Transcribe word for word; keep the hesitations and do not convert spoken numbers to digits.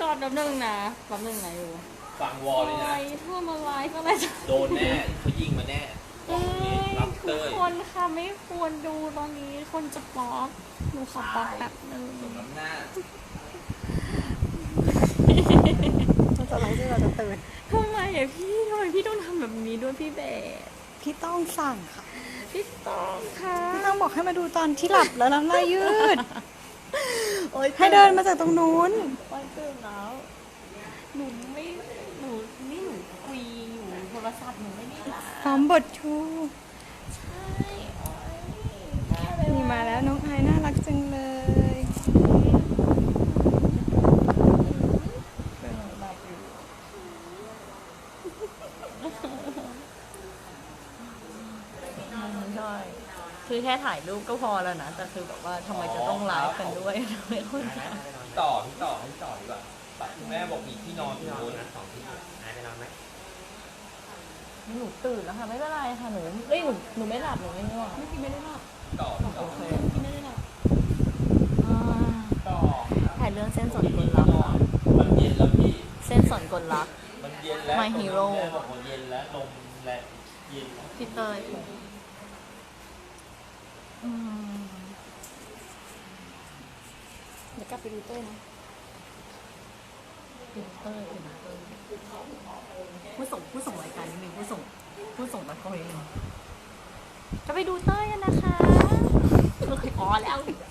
ก่อนแป๊บนึงนะแป๊บนึงนะอยู่ฟังวอลเลยนะไอ้ทั่วมาไลฟ์อะไรจะโดนแน่เขายิงมาแน่บเอ้อกตรงนี้ยรับทุเต้กยคนค่ะไม่ควรดูตอนนี้คนจะบล็อกหนูขอบล็อกแบบนึงสมน้ำหน้าเราจะไลฟ์ด้วยเราจะตื่นทำไมอะพี่ทำไมพี่ต้องทำแบบนี้ด้วยพี่เบสพี่ต้องสั่งค่ะพี่ต้องค่ะพี่ต้องบอกให้มาดูตอนที่หลับแล้วน้ำลายยืดโอ๊ยให้เดินมาจากตรงนู้นโอ๊ยตื่นแล้วหนูไม่หนูนี่หนูคุยอยู่โทรศัพท์หนูไม่ได้หลับพร้อมบทชูใช่โอ๊ยแค่ไปนี่มาแล้วน้องไอายน่ารักจังเลยหลับอยู่ใช่คือแค่ถ่ายรูปก็พอแล้วนะแต่คือแบบว่าทำไมจะต้องไลฟ์กันด้วยทำไมคนจะพี่ต่อพี่ต่อพี่ต่อดีกว่าคุณแม่บอกมีที่นอนที่นอนนะสองที่นายไปนอนไหมหนูตื่นแล้วค่ะไม่เป็นไรค่ะหนูเอ้ยหนูหนูไม่หลับหนูไม่ง่วงไม่กินไม่ได้หลับต่อพี่ต่อกินไม่ได้หลับต่อถ่ายเรื่องเส้นสนกลรักนอนมันเย็นแล้วพี่เส้นสนกลรักมันเย็นแล้ว My Hero แม่บอกว่าเย็นแล้วลมและเย็นพี่เตยอืมเดี๋ยวกลับไปดูเต้ยนะดูเต้ยดูเต้ยผู้ส่งผู้ส่งรายการนิดนึงผู้ส่งผู้ส่งตะกร้อนิดนึงจะไปดูเต้ยกันนะคะอ๋อแล้ว